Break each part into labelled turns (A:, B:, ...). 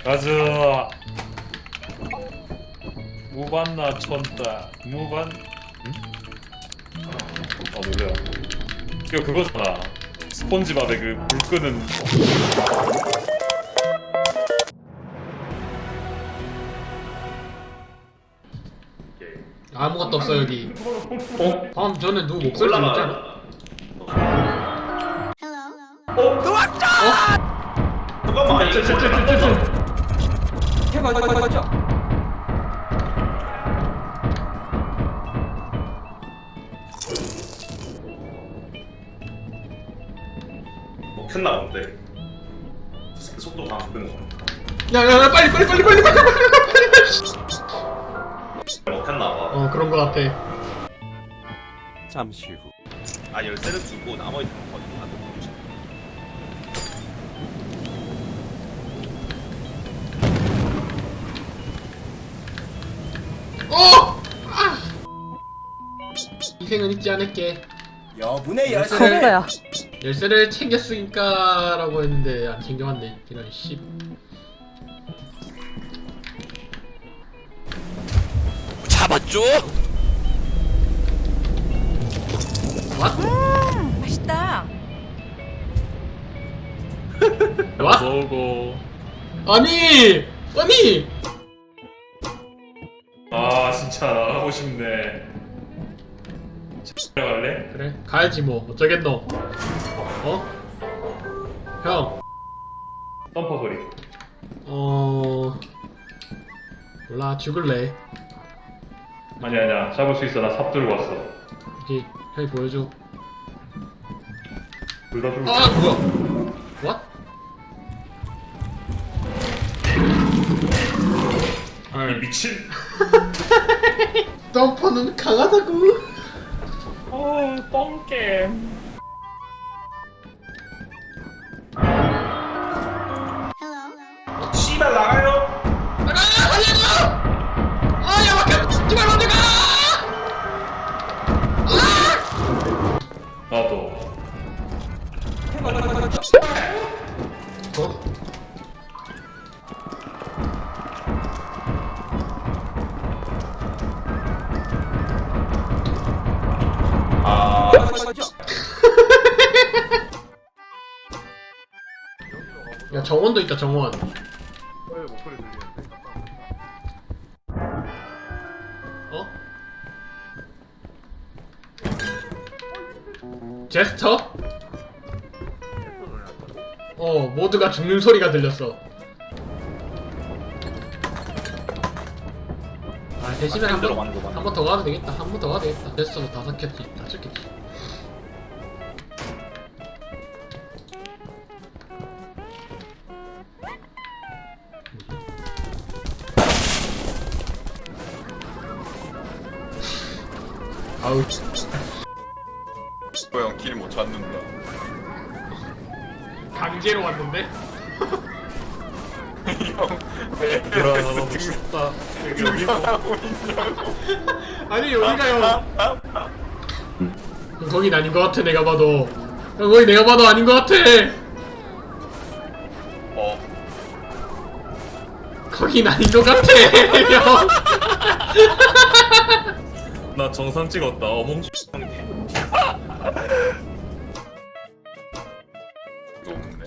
A: 가자. 무반나 촌다. 무반. 응? 아 놀래요. 이거 그거잖아. 스폰지밥의 그 불 끄는.
B: 아무것도 없어 여기.
A: 어?
B: 방금 전에 누구 목소리 들렸잖아.
C: 잠깐만. 먹혔나 본데. 저 새끼 속도가 안 끄는 거.
B: 야야야 빨리.
C: 먹혔나 봐.
B: 그런 거 같아.
D: 잠시 후.
C: 아 열쇠를 주고 나머지 다 버리고 안 돼.
B: 희생은 잊지 않을게.
D: 여분의 열쇠.
E: 없어요.
B: 열쇠를 챙겼으니까라고 했는데 안 챙겨왔네. 이런 씨.
D: 잡았죠?
E: 맛있다.
B: 와?
A: 오고.
B: 아니.
A: 아 진짜 나가고 싶네. 갈래?
B: 그래 가야지 뭐 어쩌겠노. 어? 형.
A: 덤퍼 소리.
B: 몰라 죽을래.
A: 아니야 잡을 수 있어. 나 삽 들고 왔어.
B: 여기 형이 보여줘.
A: 둘 다 들고.
B: 아 뭐야? What?
A: 이 미친.
B: 덤퍼는 강하다고.
A: 똥겜.
C: 씨발 나가요.
B: 아야 막혀. 제발 먼저 가.
A: 나도.
B: 어?
C: 아.
B: 야 정원도 있다 정원. 어? 제스처? 모두가 죽는 소리가 들렸어. 아 대신에 한 번 더 가도 되겠다. 한 번 더 가도 되겠다. 됐어 다 삭혔지. 다 삭혔지. 아우
F: 형 길 못 찾는다.
B: 강제로 왔는데?
F: 형왜
A: 돌아가고 싶다. 여기
F: 하고 있냐고.
B: 아니 여기가요. 거긴 아닌 것 같아 내가 봐도. 거기 내가 봐도 아닌 것 같아.
F: 어.
B: 거긴 아닌 것 같아. 형.
A: 나 정상 찍었다. 어몽.
F: 이거 없네.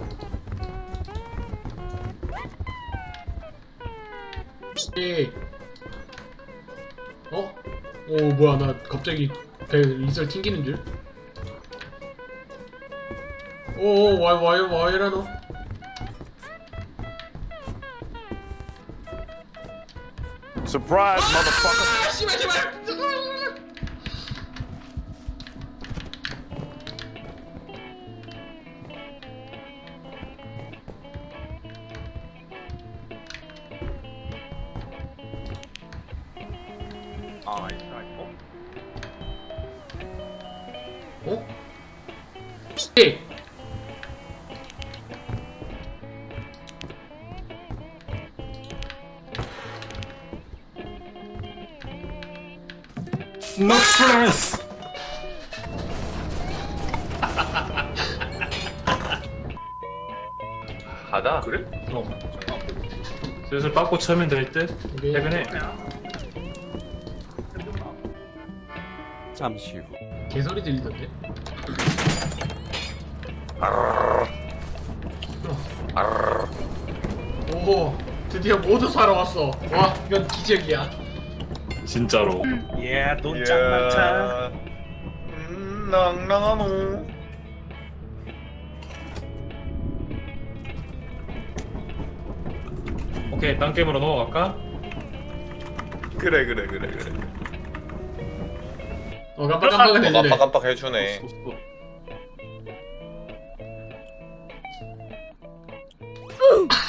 B: 어? 오 뭐야 나 갑자기 배 이슬 튕기는 줄? 오 와 이러노?
F: Surprise, motherfucker.
B: 아 씨발
C: 아 이거.
B: 어? 씨.
D: No stress.
C: 가자. 그래?
B: 어.
A: 슬슬 빠꾸 쳐면 될 듯.
B: 오케이.
A: 퇴근해.
D: 잠시 후.
B: 개소리 들리던데. 오, 드디어 모두 사러 왔어. 와, 이건 기적이야.
A: 진짜로.
C: 예, 돈짱 많다. 낭낭하노.
A: 오케이, 딴 게임으로 넘어갈까?
C: 그래.
B: 깜빡깜빡은 해주네.
C: 깜빡깜빡 해주네.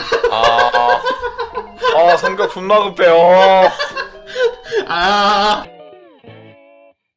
C: 성격 존나 급해요.
B: 아.